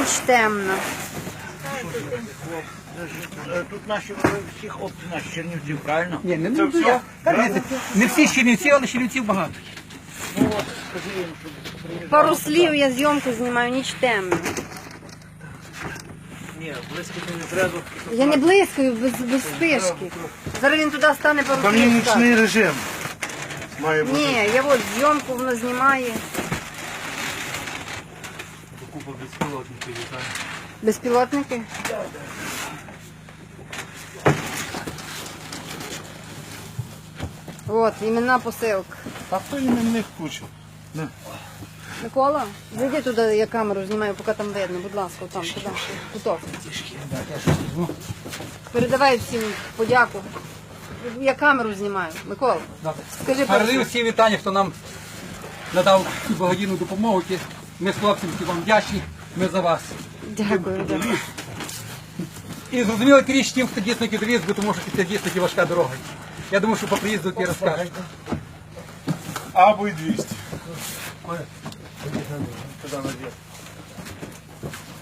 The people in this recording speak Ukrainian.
ніч темна. Тут наші всі хлопці наші Чернівців, правильно? Ні, не всі Чернівці, але Чернівців багато. Ну от, скажи їм, щоб приїжджали. Пару слів, я зйомку знімаю, ніч темна. Ні, близько не треба. Я не близькою, без спишки. Зараз він туди стане пару Там є слів. скаже. нічний режим. Має бути. Ні, я от зйомку воно знімає. Купа безпілотників літає. Безпілотники? От, іменна посилка. А то іменних куча. Микола, зайди туди, я камеру знімаю, поки там видно, будь ласка, там, туди, куток. Передавай всім подяку. Я камеру знімаю. Микола, скажи Передаю перше. всі вітання, хто нам надав цю благодійну допомогу. Ми з хлопцями всі вам вдячні, ми за вас. Дякую, дякую. І зрозуміло тріч тим, хто дійсно підвіз, бо тому що це дійсно важка дорога. Я думаю, що по приїзду ти розкажеш. Або й 200.